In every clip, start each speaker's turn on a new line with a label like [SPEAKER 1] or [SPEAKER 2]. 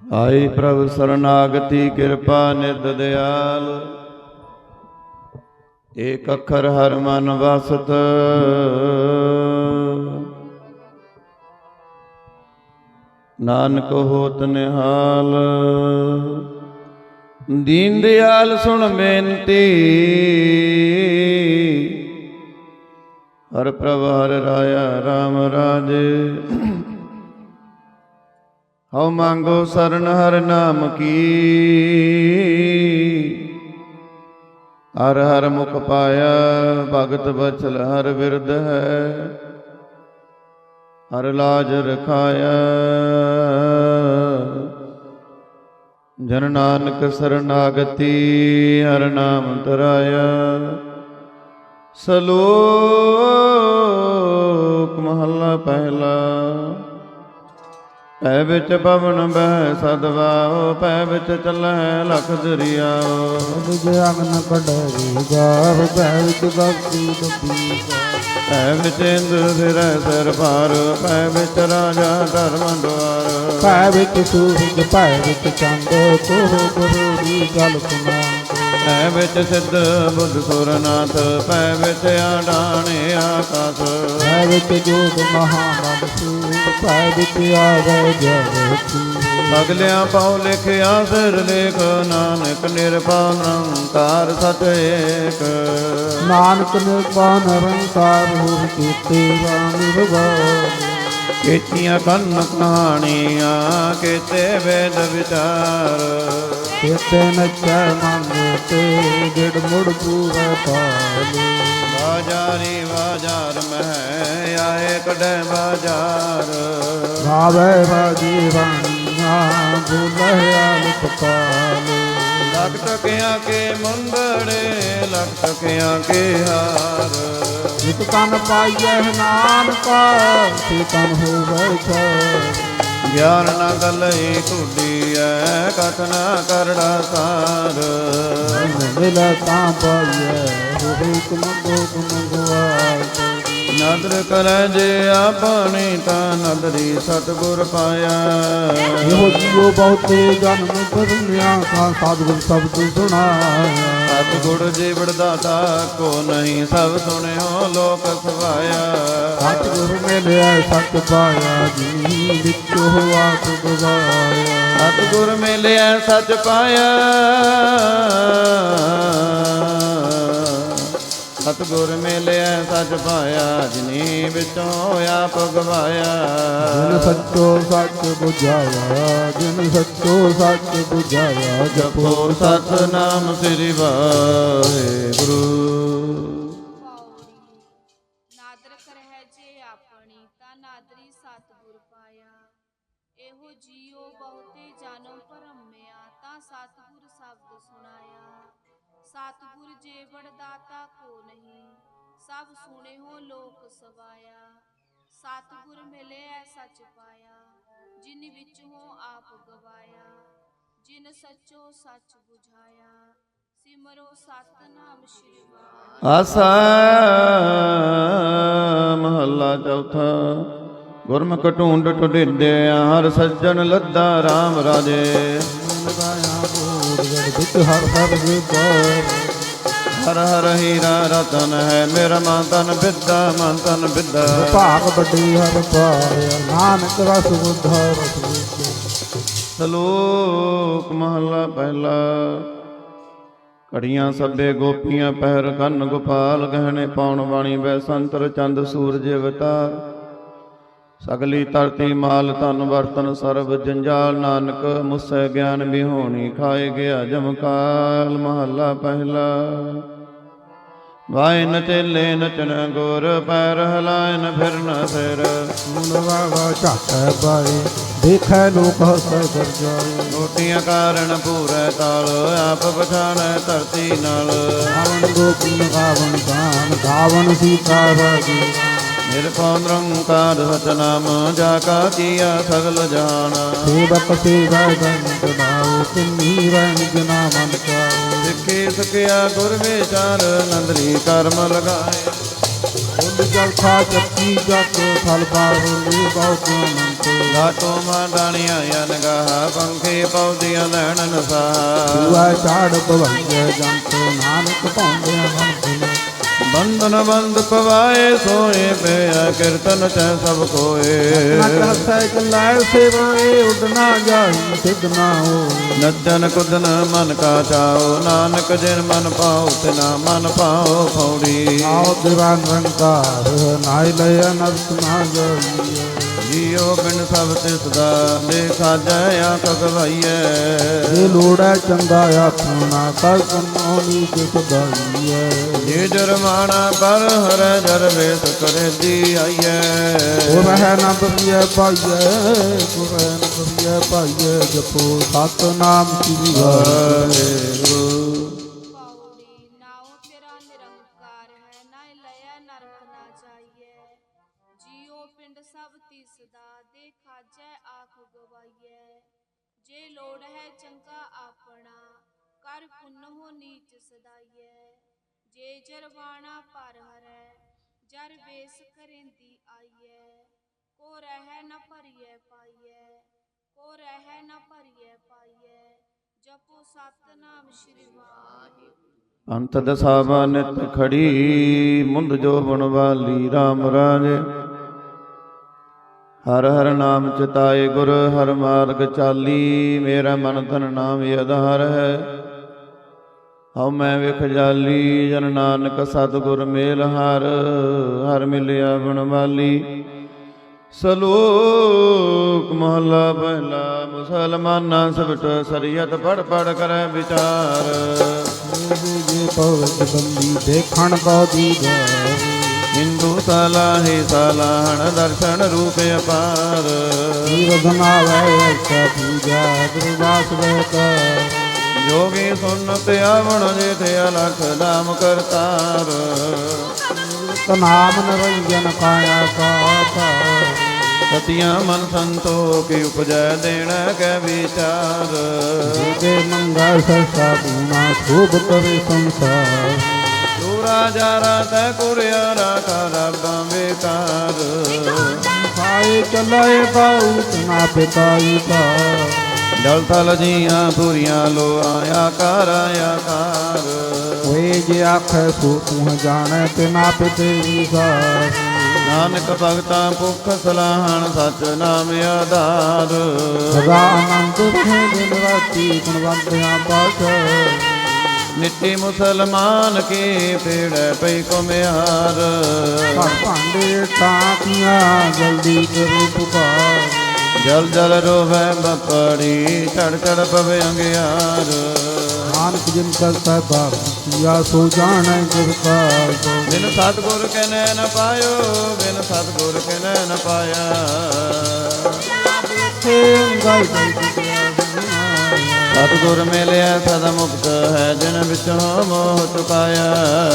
[SPEAKER 1] ਆਈ ਪ੍ਰਭ ਸਰਨਾਗਤੀ ਕਿਰਪਾ ਨਿਰਦ ਦਿਆਲ। ਏਕ ਅੱਖਰ ਹਰ ਮਨ ਵਸਤ, ਨਾਨਕ ਹੋਤ ਨਿਹਾਲ। ਦੀਨ ਦਿਆਲ ਸੁਣ ਬੇਨਤੀ, ਹਰ ਪ੍ਰਭ ਹਰ ਰਾਇਆ ਰਾਮ ਰਾਜੇ। ਹਉ ਮੰਗੋ ਸਰਨ ਹਰ ਨਾਮ ਕੀ, ਹਰ ਹਰ ਮੁਖ ਪਾਇਆ। ਭਗਤ ਬਚਲ ਹਰ ਬਿਰਦ ਹੈ, ਹਰ ਲਾਜ ਰਖਾਇਆ। ਜਨ ਨਾਨਕ ਸਰਨਾਗਤੀ, ਹਰ ਨਾਮ ਧਰਾਇਆ। ਸਲੋਕ ਮਹੱਲਾ ਪਹਿਲਾ। ਪੈ ਵਿੱਚ ਪਵਨ ਬਹਿ ਸਦਵਾਓ, ਪੈ ਵਿੱਚ ਚੱਲੈ ਲਖ ਦਰਿਆਓ।
[SPEAKER 2] ਜਗ ਨ ਕਢਰੀ ਜਾਵ, ਪੈ ਵਿੱਚ ਭਗਤੀ ਡੁੱਬੀ ਜਾਵ।
[SPEAKER 1] ਪੈ ਵਿੱਚ ਇੰਦਰ ਫਿਰੈ ਸਿਰ ਭਾਰ, ਪੈ ਵਿੱਚ ਰਾਜਾ ਧਰਮ ਦੁਆਰ।
[SPEAKER 2] ਪੈ ਵਿੱਚ ਸੂਰਜ, ਪੈ ਵਿੱਚ ਚੰਦ, ਕੋਹ ਗੁਰੂ ਗਲ ਸੁਨਾਂਦ।
[SPEAKER 1] ਪੈ ਵਿੱਚ ਸਿੱਧ ਬੁੱਧ ਸੁਰਨਾਥ, ਪੈ ਵਿੱਚ ਆਡਾਣੇ ਆਕਾਸ।
[SPEAKER 2] ਪੈ ਵਿੱਚ ਜੋਗ ਮਹਾਬਲ ਸੂਰ, ਪੈ ਵਿੱਚ ਆਵੇ ਜਗਤੀ।
[SPEAKER 1] ਸਗਲਿਆਂ ਪਾਉ ਲਿਖਿਆ ਸਿਰ ਲੇਖ, ਨਾਨਕ ਨਿਰਭਉ ਨਿਰੰਕਾਰ ਸਤ ਏਕ।
[SPEAKER 2] ਨਾਨਕ ਨਿਰਭਉ ਨਿਰੰਕਾਰ ਹੋਇ ਕੀਤੇ ਰਾਮ ਨਿਰਭਉ।
[SPEAKER 1] ਕੀਤੀਆਂ ਕੰਨ ਕਹਾਣੀਆਂ, ਕੀਤੇ ਵੇਦ ਵਿਚਾਰ।
[SPEAKER 2] ਕੀਤੇ ਨਚੈ ਮਨ ਤੇ, ਗਿੜ ਮੁੜ ਪੂਰੇ ਪਾਲੇ।
[SPEAKER 1] ਬਾਜਾਰੀ ਬਾਜ਼ਾਰ ਮਹਿ, ਆਏ ਕਢੈ ਬਾਜ਼ਾਰ।
[SPEAKER 2] ਗਾਵੇ ਬਾਜੀ ਰਾਣੀਆਂ, ਬੋਲੇ ਆਲਿਤ ਪਾਲੇ।
[SPEAKER 1] ਲਖ ਟਕਿਆਂ ਕੇ ਮੁੰਦੜੇ, ਲਖ ਟਕਿਆਂ ਕੇ ਹਾਰ।
[SPEAKER 2] ਜਿਤ ਤਨ ਪਾਈਐ ਨਾਨਕਾ, ਤੇ ਤਨ ਹੋਵੇ ਛਾਰ।
[SPEAKER 1] ਗਿਆਨ ਨਾ ਗਲਈ ਕੁਡੀਐ, ਕਥ ਨਾ ਕਰੜਾ ਸਾਰ।
[SPEAKER 2] ਮਿਲੈ ਤਾਂ ਪਾਈਐ, ਹੋਵੇ ਤੁਮ ਗੋ ਤੁਮ ਗੁਆਰ।
[SPEAKER 1] ਨਦਰ ਕਰੈ ਜੇ ਆਪਣੀ, ਤਾਂ ਨਦਰੀ ਸਤਿਗੁਰ ਪਾਇਆ।
[SPEAKER 2] ਇਹੋ ਜੀਉ ਬਹੁਤੇ ਜਨਮ ਧਰਮਿਆ, ਕਾ ਸਾਧੁ ਸ਼ਬਦ ਸੁਣਾਇਆ।
[SPEAKER 1] ਸਤਿਗੁਰ ਜੀਵੜ ਦਾਤਾ ਕੋ ਨਹੀਂ, ਸਭ ਸੁਣਿਓ ਲੋਕ ਸਵਾਇਆ।
[SPEAKER 2] ਸਤਿਗੁਰ ਮਿਲਿਆ ਸਤ ਪਾਇਆ, ਜੀ ਵਿੱਚੋ ਆਪ ਗਵਾਇਆ।
[SPEAKER 1] ਸਤਿਗੁਰ ਮਿਲਿਆ ਸੱਚ ਪਾਇਆ, ਸਤਿਗੁਰ ਮਿਲਿਆ ਸੱਚ ਪਾਇਆ। ਜਿਨੀ ਵਿੱਚੋਂ ਆਪ ਗਵਾਇਆ।
[SPEAKER 2] ਜਿਨ ਸੱਚੋ ਸੱਚ ਬੁਝਾਇਆ, ਜਿਨ ਸੱਚੋ ਸੱਚ ਬੁਝਾਇਆ।
[SPEAKER 1] ਜਪੋ ਸਤਿਨਾਮ ਸ੍ਰੀ ਵਾਹਿਗੁਰੂ।
[SPEAKER 3] ਨਾਦਰ ਕਰਹਿ ਜੇ ਆਪਣੀ, ਤਾਂ ਨਾਦਰੀ ਸਤਿਗੁਰ ਪਾਇਆ। ਇਹੋ ਜੀਉ ਬਹੁਤੇ ਜਨਮ ਭਰਮਿਆ, ਤਾਂ ਸਤਿਗੁਰ ਸ਼ਬਦ ਸੁਣਾਇਆ। ਸਤਿਗੁਰ ਜੀਵੜ ਦਾਤਾ ਕੋ ਨਹੀਂ, ਸਭ ਸੁਣਿਓ ਲੋਕ ਸਵਾਇਆ। ਸਤਿਗੁਰ ਮਿਲਿਆ ਸੱਚ ਪਾਇਆ, ਜਿਨ ਵਿੱਚੋਂ ਆਪ ਗਵਾਇਆ। ਜਿਨ ਸੱਚੋ ਸੱਚ ਬੁਝਾਇਆ, ਸਿਮਰੋ ਸਤਿਨਾਮ ਸ੍ਰੀ ਵਾਹਿਗੁਰੂ।
[SPEAKER 1] ਆਸਾ ਮਹੱਲਾ ਚੌਥਾ। ਗੁਰਮੁਖ ਢੂੰਡ ਢੁੰਡਿਆ, ਹਰ ਸੱਜਣ ਲੱਦਾ ਰਾਮ ਰਾਜੇ।
[SPEAKER 2] ਲਗਾਇਆ ਬੋੜ ਵਿੱਚ ਹਰ ਹਰ ਵਿਕਾਰ।
[SPEAKER 1] ਹਰ ਹਰ ਹੀਰਾ ਰਤਨ ਹੈ, ਮੇਰਾ ਮਨ ਤਨ ਬਿੱਦਾ ਮਨ ਤਨ ਬਿੱਦਾ।
[SPEAKER 2] ਭਾਗ ਵੱਡੀ ਹਰ ਪਾਇਆ, ਨਾਨਕ ਰਸ ਬੁੱਧਾ ਰਸ ਵਿੱਚ।
[SPEAKER 1] ਸ਼ਲੋਕ ਮਹੱਲਾ ਪਹਿਲਾ। ਘੜੀਆਂ ਸਭੇ ਗੋਪੀਆਂ, ਪਹਿਰ ਕੰਨ ਗੋਪਾਲ। ਗਹਿਣੇ ਪਾਉਣ ਵਾਣੀ ਬੈ ਸੰਤਰ, ਚੰਦ ਸੂਰਜ ਅਵਤਾਰ। ਸਗਲੀ ਧਰਤੀ ਮਾਲ ਧਨ ਬਰਤਨ, ਸਰਬ ਜੰਜਾਲ। ਨਾਨਕ ਮੁਸੈ ਗਿਆਨ ਬਿਹੋਣੀ, ਖਾਏ ਗਿਆ ਜਮਕਾਲ। ਮਹੱਲਾ ਪਹਿਲਾ। ਵਾਇ ਨ ਚੇਲੇ ਨਚਨ ਗੁਰ, ਪੈਰ ਹਿਲਾਇਨ ਫਿਰਨ ਸਿਰ।
[SPEAKER 2] ਸੁਣ ਵਾਵਾ ਝਾਕੈ ਬਾਈ, ਦੇਖੈ ਲੋਕ ਹਸੈ ਗਰਜਾਏ।
[SPEAKER 1] ਰੋਟੀਆਂ ਕਾਰਨ ਪੂਰੈ ਤਾਲ, ਆਪ ਪਛਾਣੈ ਧਰਤੀ ਨਾਲ।
[SPEAKER 2] ਗਾਵਨ ਗੋਪੀ ਗਾਵਨ ਗਾਨ, ਗਾਵਨ ਸੀਤਾ ਰਾਜੀ।
[SPEAKER 1] ਨਿਰਭਉ ਨਿਰੰਕਾਰ ਸਤਿਨਾਮ, ਜਾ ਕਾ ਕੀਆ ਸਗਲ ਜਾਣ।
[SPEAKER 2] ਸੇਵਕ ਸੇਵੈ ਬਨ ਜਨਾਉ, ਤਿੰਨੀ ਵੈਨ ਜਨਾ ਮਨ ਚਾਉ।
[SPEAKER 1] ਸਿੱਖੇ ਸਕਿਆ ਗੁਰ ਵਿਚਾਰ, ਨੰਦਰੀ ਕਰਮ ਲਗਾਏ।
[SPEAKER 2] ਜਲ ਖਾ ਚੱਕੀ ਜਗ, ਫਲ ਪਾਵਲੇ ਬਹੁਤ ਅਨੰਤ।
[SPEAKER 1] ਘਾਟੋ ਮਾਂ ਡਾਣੀਆਂ ਅਨਗਾਹ ਪੰਖੀ ਪੌਦੀਆਂ ਲੈਣ ਨਸਾਹ
[SPEAKER 2] ਦੂਆ ਝਾੜ ਪਵਈਏ ਜੰਤ ਨਾਨਕ ਪਾਉਂਦਿਆਂ ਮਨ ਭੁਲੇ
[SPEAKER 1] ਬੰਧਨ ਬੰਦ ਪਵਾਏ ਸੋਏ ਪਿਆ ਕੀਰਤਨ ਤੈ ਸਭ ਕੋਏ
[SPEAKER 2] ਨਚ ਹਸੈ ਚਲਾਇ ਸੇਵਾਏ ਉਡਣਾ ਜਾਈ ਸਿਧ ਨਾ ਹੋਏ
[SPEAKER 1] ਨੱਚਨ ਕੁਦਨ ਮਨ ਕਾ ਚਾਓ ਨਾਨਕ ਜਿਨ ਮਨ ਪਾਉ ਤਿਨਾ ਮਨ ਪਾਉ ਫੌੜੀ
[SPEAKER 2] ਆਓ ਦਿਵਾਨ ਰੰਕਾਰ ਨਾਇ ਲਇ ਅਨਰਥ ਨਾ ਜਾਈਏ
[SPEAKER 1] ਜੀਉ ਬਿਨ ਸਭ ਤਿਸ ਦਾ ਦੇਖਾ ਜੈ ਆਖ ਗਵਾਈਐ
[SPEAKER 2] ਜੇ ਲੋੜੈ ਚੰਗਾ ਆਖਣਾ ਕਰ ਕੰਨੋ ਨੀਚ ਸਦਾਈਐ
[SPEAKER 1] ਜੇ ਜਰਮਾਨਾ ਪਰ ਹਰੈ ਜਰਵੇਸ ਕਰੇ ਦੀ ਆਈਐ
[SPEAKER 2] ਉਹ ਰਹਿ ਨਾ ਬਰੀਐ ਪਾਈਐ ਉਹ ਰਹਿ ਨਾ ਬਰੀਐ ਪਾਈਐ ਜਪੋ ਸਤਿਨਾਮ ਸ੍ਰੀ ਵਾਹਿਗੁਰੂ
[SPEAKER 3] ਪੌੜੀ ਨਾਉ ਤੇਰਾ ਨਿਰੰਕਾਰ ਹੈ ਨਾ ਲਿਆ ਨਰਕ ਨਾ ਜਾਈਏ ਜੀਉ ਪਿੰਡ ਸਭ ਤਿਸ ਦਾ ਦੇ ਖਾਜੈ ਆਖ ਗਵਾਈਐ ਜੇ ਲੋੜ ਹੈ ਚੰਗਾ ਆਪਣਾ ਕਰ ਪੁੰਨ ਹੋ ਨੀਚ ਸਦਾਈਐ ਜੇ ਜਰਵਾਣਾ ਪਰ ਹਰੈ ਜਰ ਵੇਸ ਕਰੇਂਦੀ ਆਈਐ ਕੋ ਰਹਿ ਨ ਭਰੀਐ ਪਾਈਐ ਕੋ ਰਹਿ ਨ ਭਰੀਐ ਪਾਈਐ ਜਪੋ ਸਤਨਾਮ ਸ਼੍ਰੀ ਵਾਹਿਗੁਰੂ
[SPEAKER 1] ਅੰਤ ਦਸਾਵਾ ਨਿਤ ਖੜੀ ਮੁੰਦ ਜੋਬਨ ਵਾਲੀ RAM ਰਾਜੇ ਹਰ ਹਰ ਨਾਮ ਚਿਤਾਏ ਗੁਰ ਹਰ ਮਾਰਗ ਚਾਲੀ ਮੇਰਾ ਮਨ ਤਨ ਨਾਮ ਆਧਾਰ ਹੈ ਹਉ ਮੈਂ ਵਿਖ ਜਾਲੀ ਜਨ ਨਾਨਕ ਸਤਿਗੁਰ ਮੇਲ ਹਰ ਹਰ ਮਿਲਿਆ ਗੁਣ ਵਾਲੀ ਸਲੋਕ ਮਹਲਾ ਪਹਿਲਾ ਮੁਸਲਮਾਨਾਂ ਸਬਟ ਸਰੀਅਤ ਪੜ ਪੜ ਕਰੈ ਵਿਚਾਰ
[SPEAKER 2] ਜੇ ਪਵਜ ਬੰਦੀ ਦੇਖਣ ਕੋ ਦੀਦਾਰ
[SPEAKER 1] ਹਿੰਦੂ ਸਲਾਹੇ ਸਲਾਹਣ ਦਰਸ਼ਨ ਰੂਪ ਅਪਾਰ
[SPEAKER 2] ਜੀਵ ਬਨਾਵੈ ਐਸਾ ਪੂਜਾ ਗੁਰਦਾਸ ਬੇਕਾਰ
[SPEAKER 1] ਜੋਗੀ ਸੁਨਤ ਆਵਣ ਜੇਠ ਅਲਖ ਨਾਮ ਕਰਤਾਰ
[SPEAKER 2] ਨਾਮ ਨਿਰੰਜਨ ਕਾਇਆ ਕਾਤਾ
[SPEAKER 1] ਸਤਿਆ ਮਨ ਸੰਤੋਖ ਉਪਜੈ ਦੇਣ ਕੈ ਵਿਚਾਰ
[SPEAKER 2] ਜੇ ਮੰਗਾ ਸਰਸਾ ਪੂਨਾ ਸ਼ੋਭ ਕਰੇ ਸੰਸਾਰ
[SPEAKER 1] ਦੂਰਾ ਜਾਰਾ ਤੈ ਕੁਰਿਆਰਾ ਕਾ ਰੱਬਾਂ ਬੇਕਾਰ
[SPEAKER 2] ਖਾਏ ਚਲਾਏ ਬਾਉਤ ਨਾ ਪਿਤਾਈ ਕਾ
[SPEAKER 1] ਜਲ ਥਲ ਜੀਆਂ ਪੂਰੀਆਂ ਲੋ ਆਇਆ ਕਰ ਆਕਾਰ
[SPEAKER 2] ਹੋਏ ਜੇ ਆਖੈ ਸੋ ਤੂੰ ਜਾਣੈ ਤੇ ਨਾ ਪਿਤੇ ਵਿਸਾਰ
[SPEAKER 1] ਨਾਨਕ ਭਗਤਾਂ ਭੁਖ ਸਲਾਹਣ ਸਚ ਨਾਮ ਆਧਾਰ
[SPEAKER 2] ਸਦਾ ਆਨੰਦ ਰਹੇ ਦਿਨ ਰਾਤੀ ਗੁਣਵੰਤਿਆਂ ਪਾਛ
[SPEAKER 1] ਨਿੱਤੀ ਮੁਸਲਮਾਨ ਕੀ ਪੀੜੈ ਪਈ ਕੁਮਿਆਰ
[SPEAKER 2] ਘਰ ਭਾਂਡੇ ਟਾਕੀਆਂ ਜਲਦੀ ਕਰੂ ਪੁਕਾਰ
[SPEAKER 1] ਜਲ ਜਲ ਰੋਵੈ ਬਪੜੀ ਚੜ ਚੜ ਪਵੇ ਅੰਗਿਆਰ
[SPEAKER 2] ਨਾਨਕ ਜਿਨ ਕਰਤਾ ਬਾਪ ਕੀਆ ਸੋ ਜਾਣੈ ਗੁਰ ਕਾ
[SPEAKER 1] ਬਿਨ ਸਤਿਗੁਰ ਕੇ ਨੈਣ ਪਾਇਓ ਬਿਨ ਸਤਿਗੁਰ ਕੇ ਨੈਣ ਪਾਇਆ
[SPEAKER 2] ਗਾਇ
[SPEAKER 1] ਸਤਿਗੁਰ ਮਿਲਿਆ ਸਦਾ ਮੁਕਤ ਹੈ ਜਿਨ ਵਿੱਚੋਂ ਮੋਹ ਚੁਕਾਇਆ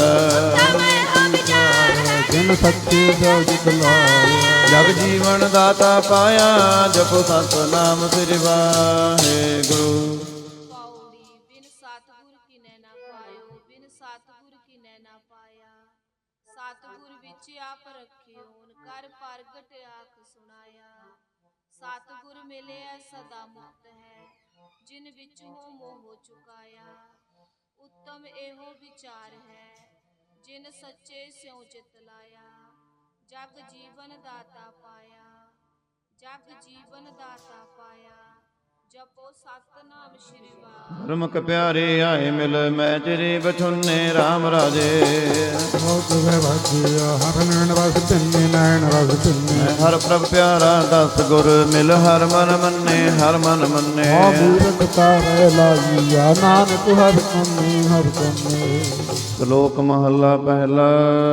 [SPEAKER 2] ਜਿਨ ਸੱਚੇ ਜੋ ਜਿਤ ਲਾਇਆ
[SPEAKER 1] ਜਗ ਜੀਵਨ ਦਾਤਾ ਪਾਇਆ ਜਪੋ ਸਤਿਨਾਮ ਸ੍ਰੀ ਵਾਹਿਗੁਰੂ
[SPEAKER 3] ਪੌੜੀ ਬਿਨ ਸਤਿਗੁਰ ਕੀਨੈ ਨਾ ਪਾਇਓ ਬਿਨ ਸਤਿਗੁਰ ਕੀਨੈ ਨਾ ਪਾਇਆ ਸਤਿਗੁਰ ਵਿੱਚ ਆਪ ਰੱਖਿਓਨ ਕਰ ਪ੍ਰਗਟ ਆਖ ਸੁਣਾਇਆ ਸਤਿਗੁਰ ਮਿਲਿਆ ਸਦਾ ਮੁਕਤ ਹੈ ਜਿਨ ਵਿੱਚ ਹੋ ਮੋਹ ਚੁਕਾਇਆ ਉੱਤਮ ਇਹੋ ਵਿਚਾਰ ਹੈ ਜਿਨ ਸੱਚੇ ਸਿਉ ਚਿਤ ਲਾਇਆ ਜਗ ਜੀਵਨ ਦਾਤਾ ਪਾਇਆ ਜਗ ਜੀਵਨ ਦਾਤਾ ਪਾਇਆ ਜਪੋ ਸਤਨਾਮ ਸ਼੍ਰੀ ਵਾਹਿਗੁਰੂ
[SPEAKER 1] ਗੁਰਮੁਖ ਪਿਆਰੇ ਆਏ ਮਿਲ ਮੈਂ ਚਿਰੇ ਬਛੁੰਨੇ RAM ਰਾਜੇ
[SPEAKER 2] ਬਹੁਤ ਵੇ ਵਾਜਿਆ ਹਰ ਨੈਣ ਰਸ ਪਿੰਨੇ ਨੈਣ ਰਸ ਪਿੰਨੇ
[SPEAKER 1] ਹਰ ਪ੍ਰਭ ਪਿਆਰਾ ਦਸ ਗੁਰ ਮਿਲ ਹਰ ਮਨ ਮੰਨੇ ਹਰ ਮਨ ਮੰਨੇ
[SPEAKER 2] ਆ ਮੂਰਖ ਤਾਰੇ ਲਾਈਆ ਨਾਨਕ ਹਰ ਕੰਨੇ
[SPEAKER 1] ਸ਼ਲੋਕ ਮਹੱਲਾ ਪਹਿਲਾ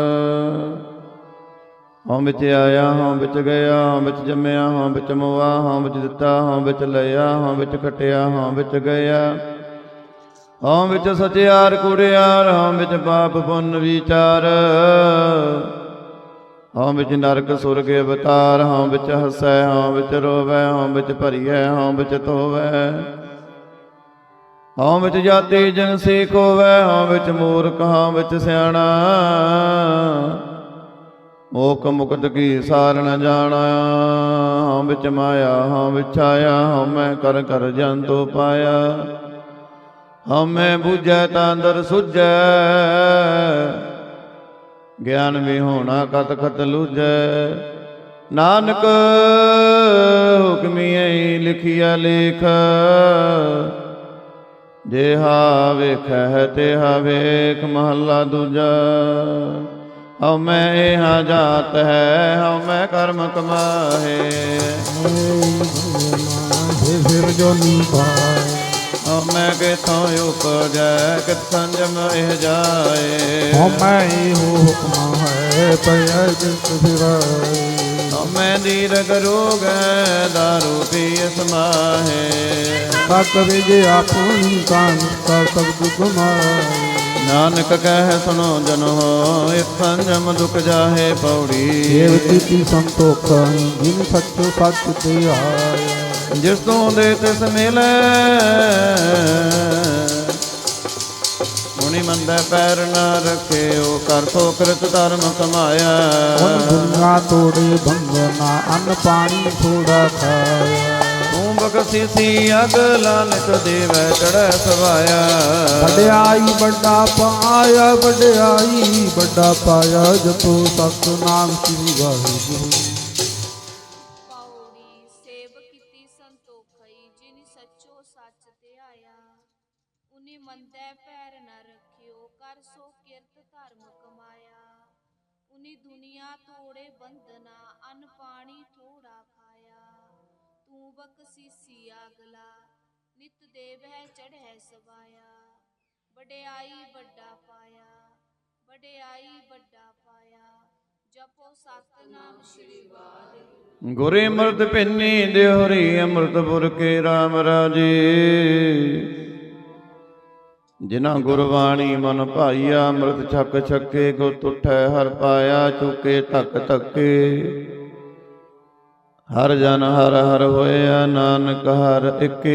[SPEAKER 1] ਹਉ ਵਿੱਚ ਆਇਆ ਹਉ ਵਿੱਚ ਗਿਆ ਹਉ ਵਿੱਚ ਜੰਮਿਆ ਹਉ ਵਿੱਚ ਮੋਆ ਹਉ ਵਿੱਚ ਦਿੱਤਾ ਹਉ ਵਿੱਚ ਲਿਆ ਹਉ ਵਿੱਚ ਖਟਿਆ ਹਉ ਵਿੱਚ ਗਿਆ ਹਉ ਵਿੱਚ ਸਚਿਆਰ ਕੁੜਿਆਰ ਹਉ ਵਿੱਚ ਪਾਪ ਪੁੰਨ ਵਿਚਾਰ ਹਉ ਵਿੱਚ ਨਰਕ ਸੁਰਗ ਅਵਤਾਰ ਹਉ ਵਿੱਚ ਹਸੈ ਹਉ ਵਿੱਚ ਰੋਵੈ ਹਉ ਵਿੱਚ ਭਰੀਐ ਹਉ ਵਿੱਚ ਧੋਵੈ ਹਉ ਵਿੱਚ ਜਾਤੀ ਜਿਨਸੀ ਖੋਵੈ ਹਉ ਵਿੱਚ ਮੂਰਖ ਹਉ ਵਿੱਚ ਸਿਆਣਾ ਓਕ ਮੁਕਤ ਕੀ ਸਾਰ ਨ ਜਾਣਾ, ਹਉ ਵਿੱਚ ਮਾਇਆ ਹਉ ਵਿੱਚ ਆਇਆ, ਹਉ ਮੈਂ ਕਰ ਕਰ ਜੰਤੂ ਪਾਇਆ। ਹਉ ਮੈਂ ਬੁਝੈ ਤਾਂ ਅੰਦਰ ਸੁਝੈ, ਗਿਆਨ ਵਿਹੋਣਾ ਕਤ ਕਤ ਲੂਝੈ। ਨਾਨਕ ਹੁਕਮੀਐ ਲਿਖਿਆ ਲੇਖ, ਜਿਹਾ ਵੇਖੈ ਤਿਹਾ ਵੇਖ। ਮਹੱਲਾ ਦੂਜਾ। ਹਉ ਮੈਂ ਇਹਾ ਜਾਤ ਹੈ, ਹਉ ਮੈਂ ਕਰਮ ਕਮਾਹੇ।
[SPEAKER 2] ਫਿਰ ਜੋ ਨੀ ਪਾਏ,
[SPEAKER 1] ਹਉ ਮੈਂ ਕਿਥੋਂ ਉਪਜੈ, ਕਿਤ ਸੰਜਮ ਇਹ ਜਾਏ।
[SPEAKER 2] ਹਉ ਮੈਂ ਇਹੋ ਹੁਕਮ ਹੈ, ਪਿਆ ਜਿਤ ਫਿਰਾਏ।
[SPEAKER 1] ਹਉ ਮੈਂ ਦੀਰਘ ਰੋਗ ਹੈ, ਦਾਰੂ ਪੀਏ ਸਮਾਹੇ।
[SPEAKER 2] ਸਤ ਵਿਜ ਆਪਣੀ ਕਾਨ ਕਾ ਸਬਦ ਗੁਮਾਏ।
[SPEAKER 1] ਨਾਨਕ ਕਹਿ ਸੁਣੋ ਜਨ ਹੋ, ਇਕ ਸੰਜਮ ਦੁਖ ਜਾਹੇ ਪੌੜੀ।
[SPEAKER 2] ਦੇਵ ਕੀਤੀ ਸੰਤੋਖਾਂ, ਜਿਨ ਸੱਚੋ ਸੱਚ ਤੇ ਆਇਆ।
[SPEAKER 1] ਜਿਸ ਤੋਂ ਦੇ ਤਿਸ ਮਿਲੈ, ਮੁਨੀ ਮੰਦੈ ਪੈਰ ਨਾ ਰੱਖਿਓ, ਕਰ ਸੋ ਕ੍ਰਿਤ ਧਰਮ ਕਮਾਇਆ।
[SPEAKER 2] ਹੁਣ ਦੁਨੀਆ ਤੋੜੇ ਬੰਧਨਾ, ਅੰਨ ਪਾਣੀ ਥੋੜਾ ਖਾਇਆ।
[SPEAKER 1] ਤੂੰ ਬਖਸ਼ੀਸੀ ਅਗਲਾ ਨਿਤ ਦੇਵੈ ਚੜ੍ਹੈ ਸਵਾਇਆ।
[SPEAKER 2] ਵਡਿਆਈ ਵੱਡਾ ਪਾਇਆ, ਵਡਿਆਈ ਵੱਡਾ ਪਾਇਆ, ਜਪੋ ਸਤਿਨਾਮ ਸ੍ਰੀ ਵਾਹਿਗੁਰੂ।
[SPEAKER 3] ਪੌੜੀ ਸੇਵ ਕੀਤੀ ਸੰਤੋਖਈ, ਜਿਨ ਸੱਚੋ ਸੱਚ ਤੇ ਆਇਆ। ਉਨੀ ਮੰਦੈ ਪੈਰ ਨ ਰੱਖਿਓ, ਕਰ ਸੋ ਕਿਰਤ ਧਰਮ ਕਮਾਇਆ। ਉਨੀ ਦੁਨੀਆ ਤੋੜੇ ਬੰਧਨਾ, ਅੰਨ ਪਾਣੀ ਥੋੜਾ ਖਾਇਆ। ਤੂੰ ਬਖਸ਼ੀਸੀ ਅਗਲਾ, ਨਿਤ ਦੇਵੈ ਚੜ੍ਹੈ ਸਵਾਇਆ। ਵਡਿਆਈ ਵੱਡਾ ਪਾਇਆ, ਵਡਿਆਈ ਵੱਡਾ ਪਾਇਆ, ਜਪੋ ਸਤਿਨਾਮ ਸ਼੍ਰੀ ਵਾਹਿਗੁਰੂ।
[SPEAKER 1] ਗੁਰੇ ਅੰਮ੍ਰਿਤ ਭਿੰਨੀ ਦਿਹੁਰੀ, ਅੰਮ੍ਰਿਤ ਪੁਰ ਕੇ ਰਾਮ ਰਾਜੇ। ਜਿਨਾ ਗੁਰਬਾਣੀ ਮਨ ਭਾਈਆ, ਅੰਮ੍ਰਿਤ ਛਕ ਛਕੇ ਗੁਤ ਉਠੈ ਹਰ ਪਾਇਆ। ਚੁਕੇ ਧੱਕ ਧੱਕੇ ਹਰ ਜਨ ਹਰ ਹਰ ਹੋਇਆ, ਨਾਨਕ ਹਰ ਇਕੇ।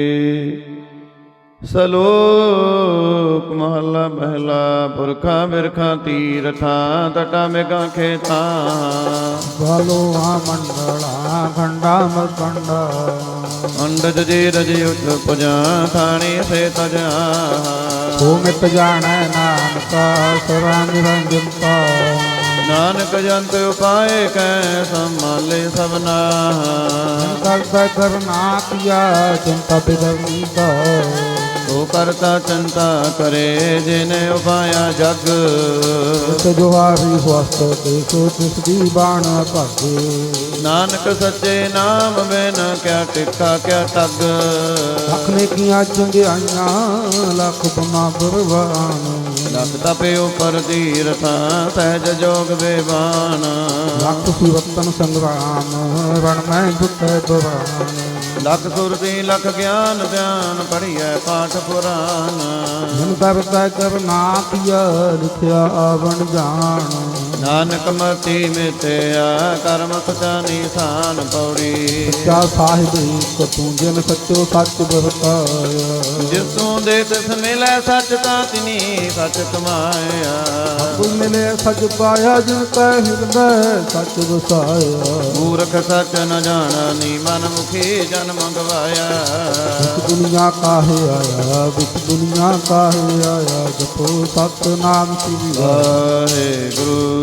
[SPEAKER 1] ਸਲੋਕ ਮਹੱਲਾ ਪਹਿਲਾ। ਪੁਰਖਾਂ ਬਿਰਖਾਂ ਤੀਰਥਾਂ, ਤਟਾ ਮੇਘਾਂ ਖੇਤਾਂ।
[SPEAKER 2] ਗਲੋਆ ਮੰਡਲਾ ਖੰਡਾ ਮਕੰਡਾ।
[SPEAKER 1] ਅੰਡਜ ਜੀ ਰਜ ਉਠ ਪੁਜਾ, ਥਾਣੀ ਸੇ ਤਜਾ।
[SPEAKER 2] ਸੋ ਮਿਤ ਜਾਣੈ ਨਾਨਕਾ, ਸਰਾ ਨਿਰੰਜਨਤਾ।
[SPEAKER 1] ਨਾਨਕ ਜੰਤ ਉਪਾਏ ਕੈ, ਸੰਭਾਲੇ ਸਭਨਾ।
[SPEAKER 2] ਕਰਤਾ ਕਰਨਾ ਕੀਆ, ਚਿੰਤਾ ਬਿਦਰਨੀ ਦਾ।
[SPEAKER 1] ਤੋ ਕਰਤਾ ਚਿੰਤਾ ਕਰੇ, ਜਿਨੇ ਉਪਾਇਆ ਜਗ।
[SPEAKER 2] ਤਿਸ ਜੁਹਾਰੀ ਹਵਸਤ, ਦੇਖੋ ਤਿਸ ਦੀ ਬਾਣ ਭਾਗੇ।
[SPEAKER 1] ਨਾਨਕ ਸੱਚੇ ਨਾਮ ਬਿਨ ਕਿਆ ਟਿਕਾ ਕਿਆ ਟੱਗ।
[SPEAKER 2] ਲੱਖ ਨੇ ਕੀਆਂ ਚੰਗਿਆਈਆਂ, ਲੱਖ ਗੁਨਾ ਬਰਵਾਨ।
[SPEAKER 1] ਲੱਖ ਤਪੇ ਉਪਰ ਤੀਰਥਾਂ, ਸਹਿਜ ਜੋਗ ਬੇਬਾਨ।
[SPEAKER 2] ਲੱਖ ਸੁਰਤਨ ਸੰਗਰਾਮ, ਰਣ ਮੈਂ ਬੁੱਧੈ ਦੁਰਾਨ।
[SPEAKER 1] ਲੱਖ ਸੁਰਤੀ ਲਖ ਗਿਆਨ ਧਿਆਨ, ਪੜ੍ਹੀਐ ਪਾਠ ਪੁਰਾਨ।
[SPEAKER 2] ਮਨ ਕਰਤਾ ਕਰਨਾ ਕੀਆ, ਲਿਖਿਆ ਆਵਣ ਜਾਣ।
[SPEAKER 1] ਨਾਨਕ ਮਤੀ ਮਿਤਿਆ, ਕਰਮ ਸਚਾ ਨਿਸ਼ਾਨ ਪੌੜੀ।
[SPEAKER 2] ਸੱਚਾ ਸਾਹਿਬ ਏਕ ਤੂੰ, ਜਿਨ ਸੱਚੋ ਸੱਚ ਵਰਤਾਇਆ।
[SPEAKER 1] ਜਿਸ ਤੂੰ ਦੇ ਤਿਸ ਮਿਲੈ, ਸੱਚ ਤਾਂ ਤਿਨੀ ਸੱਚ ਕਮਾਇਆ।
[SPEAKER 2] ਕੋਈ ਮਿਲੇ ਸੱਚ ਪਾਇਆ, ਜਿਨ ਕੈ ਹਿਰਦੈ ਸੱਚ ਵਸਾਇਆ।
[SPEAKER 1] ਮੂਰਖ ਸੱਚ ਨ ਜਾਣਾ, ਨੀ ਮਨ ਮੁਖੀ ਜਨ ਮੰਗਵਾਇਆ।
[SPEAKER 2] ਵਿੱਚ ਦੁਨੀਆ ਕਾਹੇ ਆਇਆ, ਵਿੱਚ ਦੁਨੀਆ ਕਾਹੇ ਆਇਆ, ਜਪੋ ਸਤਿਨਾਮ ਸ੍ਰੀ
[SPEAKER 1] ਵਾਹਿਗੁਰੂ।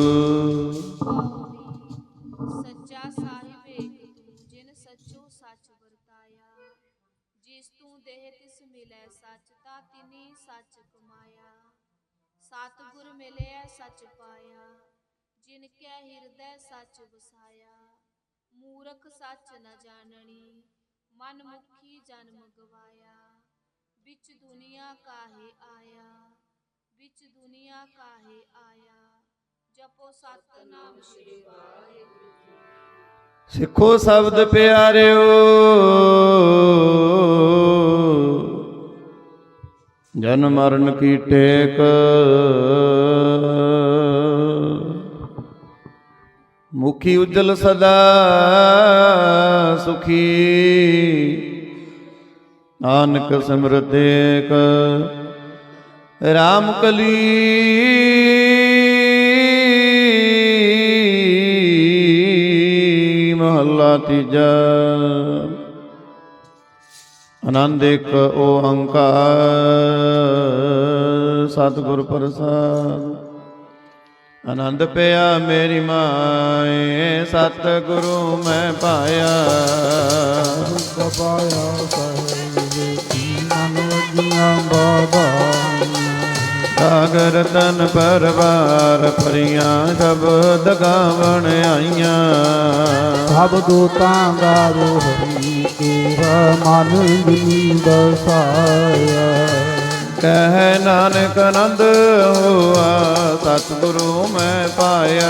[SPEAKER 3] ਸੱਚਾ ਸਾਹਿਬ ਏਕ ਤੂੰ, ਜਿਨ ਸੱਚੋ ਸੱਚ ਵਰਤਾਇਆ। ਜਿਸ ਤੂੰ ਦੇਹ ਤਿਸ ਮਿਲੈ ਸੱਚ, ਤਾਂ ਤਿਨੀ ਸੱਚ ਕਮਾਇਆ। ਸਤਿਗੁਰ ਮਿਲਿਆ ਸੱਚ ਪਾਇਆ, ਜਿਨ ਕੈ ਹਿਰਦੈ ਸੱਚ ਵਸਾਇਆ। ਮੂਰਖ ਸੱਚ ਨ ਜਾਣਨੀ, ਮਨ ਮੁਖੀ ਜਨਮ ਗਵਾਇਆ। ਵਿੱਚ ਦੁਨੀਆ ਕਾਹੇ ਆਇਆ, ਵਿੱਚ ਦੁਨੀਆ ਕਾਹੇ ਆਇਆ, ਜਪੋ ਸਤਿਨਾਮ ਸ਼੍ਰੀ ਵਾਹਿਗੁਰੂ।
[SPEAKER 1] ਸਿੱਖੋ ਸ਼ਬਦ ਪਿਆਰਿਓ, ਜਨ ਮਰਨ ਕੀ ਟੇਕ। ਮੁਖੀ ਉਜਲ ਸਦਾ ਸੁਖੀ, ਨਾਨਕ ਸਿਮਰਤ ਏਕ। ਰਾਮ ਕਲੀ ਮਹੱਲਾ ਤੀਜਾ। ਆਨੰਦ ਇੱਕ ਓੰਕਾਰ ਸਤਿਗੁਰ ਪ੍ਰਸਾਦ। ਆਨੰਦ ਪਿਆ ਮੇਰੀ ਮਾਏ ਸਤਿਗੁਰੂ ਮੈਂ ਪਾਇਆ।
[SPEAKER 2] ਪਾਇਆ ਸਾਹਿਬ ਮਨ ਵਜੀਆਂ ਬਾਬਾਈਆਂ।
[SPEAKER 1] ਸਾਗਰ ਤਨ ਪਰਵਾਰ ਭਰੀਆਂ ਸ਼ਬਦ ਗਾਵਣ ਆਈਆਂ।
[SPEAKER 2] ਸਭ ਦੂਤਾਂ ਦਾ ਹਰੀ ਤੇਰਾ ਮਨ ਜਿਨੀ ਦਸਾਇਆ।
[SPEAKER 1] ਕਹਿ ਨਾਨਕ ਆਨੰਦ ਹੋਆ ਸਤਿਗੁਰੂ ਮੈਂ ਪਾਇਆ।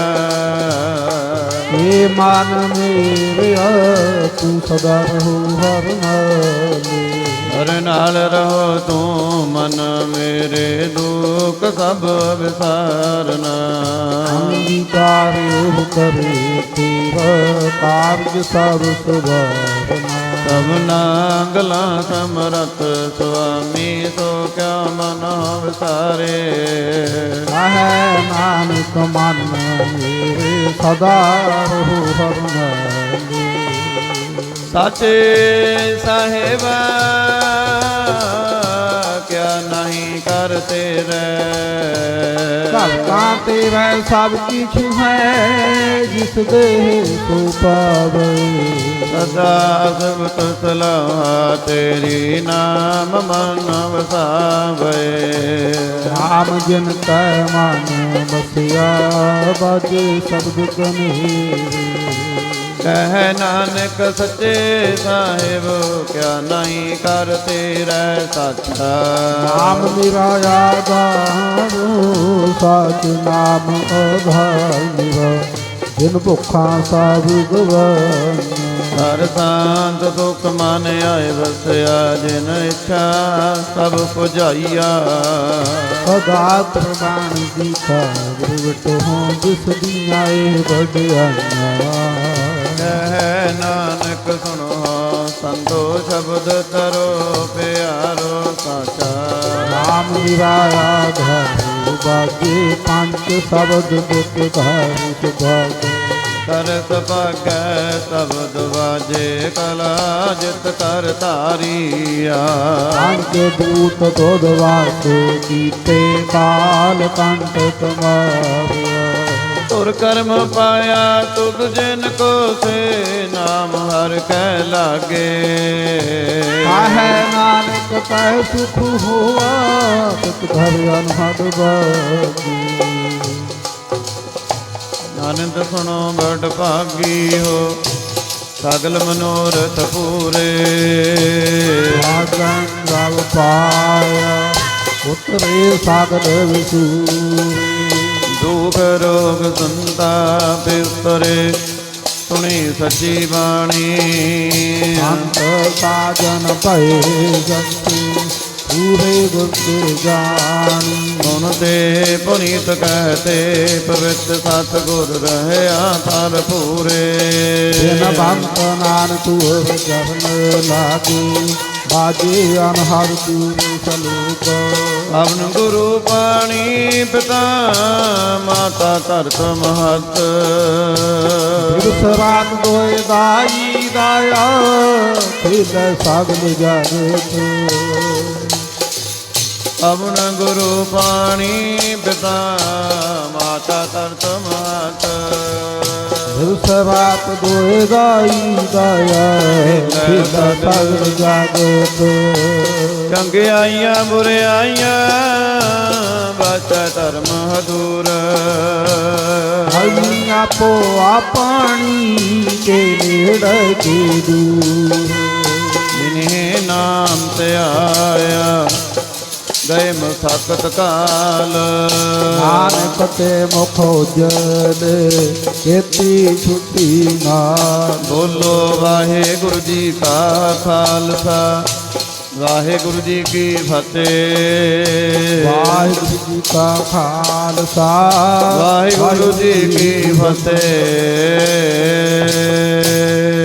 [SPEAKER 2] ਏ ਮਨ ਮੇਰਿਆ ਤੂੰ ਸਦਾ ਰਹੋ ਹਰ ਨਾਲੇ।
[SPEAKER 1] ਹਰ ਨਾਲ ਰਹੋ ਤੂੰ ਮਨ ਮੇਰੇ ਦੁੱਖ ਸਭ ਵਿਸਾਰਨਾ।
[SPEAKER 2] ਅੰਗੀਕਾਰ ਉਹ ਕਰੇ ਤੇਰਾ ਕਾਰਜ ਸਭ ਸੁਭਾਵਨਾ।
[SPEAKER 1] ਸਭਨਾ ਗਲਾਂ ਸਮਰਥ ਸੁਆਮੀ ਸੋ ਕਿਆ ਮਨ ਵਿਸਾਰੇ।
[SPEAKER 2] ਹੈ ਨਾਨਕ ਮਨ ਮੇਰੇ ਸਦਾ ਰਹੋ ਹਰ ਨਾਲੇ।
[SPEAKER 1] ਸਾਚੇ ਸਾਹਿਬਾ ਕਿਆ ਨਹੀਂ ਕਰ ਤੇਰੇ।
[SPEAKER 2] ਭਗਤਾਂ ਤੇਰਾ ਸਭ ਕਿਛ ਹੈ ਜਿਸ ਦੇ ਸੋ ਪਾਵੇ।
[SPEAKER 1] ਸਦਾ ਸਬਤ ਸਲਾਹ ਤੇਰੀ ਨਾਮ ਮਨ ਵਸਾਵੇ।
[SPEAKER 2] ਰਾਮ ਜਿਨ ਕੈ ਮਨ ਬਸਿਆ ਬਾਜੇ ਸ਼ਬਦ ਕਨੇਰੇ।
[SPEAKER 1] ਕਹਿ ਨਾਨਕ ਸੱਚੇ ਸਾਹਿਬ ਕਿਆ ਨਹੀਂ ਕਰ ਤੇਰਾ ਸਾਚਾ।
[SPEAKER 2] ਨਾਮ ਮੇਰਾ ਆਧਾਰੋ ਸਾਚ ਨਾਮ ਆਧਾਰ ਮੇਰਾ। ਜਿਨ ਭੁੱਖਾਂ ਸਭ ਗਵਾਈਆਂ।
[SPEAKER 1] ਹਰ ਸ਼ਾਂਤ ਸੁਖ ਮਨ ਆਏ ਵਸਿਆ। ਜਿਨ ਇੱਛਾ ਸਭ ਪੁਜਾਈਆ।
[SPEAKER 2] ਸਦਾ ਪ੍ਰਵਾਨ ਦੀ ਖਾਗਰ ਵਟੋ ਜਿਸ ਦੀਆਂ ਇਹ ਵਡਿਆਈਆਂ।
[SPEAKER 1] ਕਹਿ ਨਾਨਕ ਸੁਣੋ ਸੰਤੋ ਸ਼ਬਦ ਤਰੋ ਪਿਆਰੋ ਸਾਚਾ।
[SPEAKER 2] ਨਾਮ ਮੇਰਾ ਆਧਾਰ ਬਾਗੇ ਪੰਜ ਸ਼ਬਦ ਦੁਖ ਘਰ ਸੁਭਾਗ।
[SPEAKER 1] ਕਰਤ ਭਾਗੈ ਸ਼ਬਦ ਵਾਜੇ ਕਲਾ ਜਿਤ ਕਰ ਧਾਰੀਆ।
[SPEAKER 2] ਪੰਜ ਦੂਤ ਦੁਧ ਵਾਸੋ ਕੀਤੇ ਕਾਲ ਕੰਟ ਕਮਾਰਿਆ।
[SPEAKER 1] ਤੁਰ ਕਰਮ ਪਾਇਆ ਤੁਧ ਜਿਨ ਕੋ ਸੇ ਨਾਮ ਹਰ ਕੈ ਲਾਗੇ।
[SPEAKER 2] ਕਾਹੈ ਨਾਨਕ ਕੈ ਸੁਖ ਹੋਆ ਤਿਤ ਘਰ ਅਨਹਦ ਬਾਗੀ।
[SPEAKER 1] ਆਨੰਦ ਸੁਣੋ ਬੜ ਭਾਗੀ ਹੋ ਸਗਲ ਮਨੋਰਥ ਪੂਰੇ।
[SPEAKER 2] ਆਗਨ ਰਵ ਪਾਇਆ ਉਤਰੇ ਸਾਗਰ ਵਿਸੂਰੇ।
[SPEAKER 1] ਦੁਖ ਰੋਗ ਸੰਤਾਪ ਉਤਰੇ ਸੁਣੀ ਸੱਚੀ ਬਾਣੀ।
[SPEAKER 2] ਅੰਤ ਸਾਜਨ ਭਏ ਜੰਤੀ ਪੂਰੇ ਗੁਰਤ ਜਾਣੀ।
[SPEAKER 1] ਮਨ ਤੇ ਪੁਨੀਤ ਕਹਤੇ ਪਵਿੱਤ ਸਤਿਗੁਰ ਰਹਿਆ ਥਲ ਪੂਰੇ।
[SPEAKER 2] ਜਿਨ ਬੰਤ ਨਾਨਕ ਤੁਰ ਜਰਨ ਲਾਗੇ ਬਾਜੇ ਅਨਹਦ ਤੂਰੇ ਸਲੋਕ।
[SPEAKER 1] ਅਵਨ ਗੁਰੂ ਪਾਣੀ ਪਿਤਾ ਮਾਤਾ ਧਰਤ ਮਹਤ।
[SPEAKER 2] ਬਿਰਸ ਰਾਤ ਦੋਇ ਦਾਈ ਦਾਇਆ ਖੇਲੇ ਸਾਗਲ ਜਗਤ।
[SPEAKER 1] ਅਵਨ ਗੁਰੂ ਪਾਣੀ ਪਿਤਾ ਮਾਤਾ ਧਰਤ ਮਹਤ।
[SPEAKER 2] ਬਿਰਸ ਰਾਤ ਦੋਇ ਦਾਈ ਦਾਇਆ ਖੇਲੇ ਸਾਗਲ ਜਗਤ।
[SPEAKER 1] ਚੰਗਿਆਈਆਂ ਬੁਰਿਆਈਆਂ ਵਾਚੈ ਧਰਮ ਹਦੂਰ।
[SPEAKER 2] ਹਈ ਆਪੋ ਆਪਣੀ ਕੇ ਨੇੜੇ ਕੇ ਦੂਰ।
[SPEAKER 1] ਜਿਨੇ ਨਾਮ ਤੇ ਆਇਆ ਗਏ ਮਸਕਤ ਕਾਲ।
[SPEAKER 2] ਨਾਨਕ ਤੇ ਮੁਖ ਉਜਲ ਕੀਤੀ ਛੁੱਟੀ ਨਾਲ।
[SPEAKER 1] ਬੋਲੋ ਵਾਹਿਗੁਰੂ ਜੀ ਕਾ ਖਾਲਸਾ ਵਾਹਿਗੁਰੂ ਜੀ ਕੀ ਫਤਿਹ।
[SPEAKER 2] ਵਾਹਿਗੁਰੂ ਜੀ ਕਾ ਖਾਲਸਾ
[SPEAKER 1] ਵਾਹਿਗੁਰੂ ਜੀ ਕੀ ਫਤਿਹ।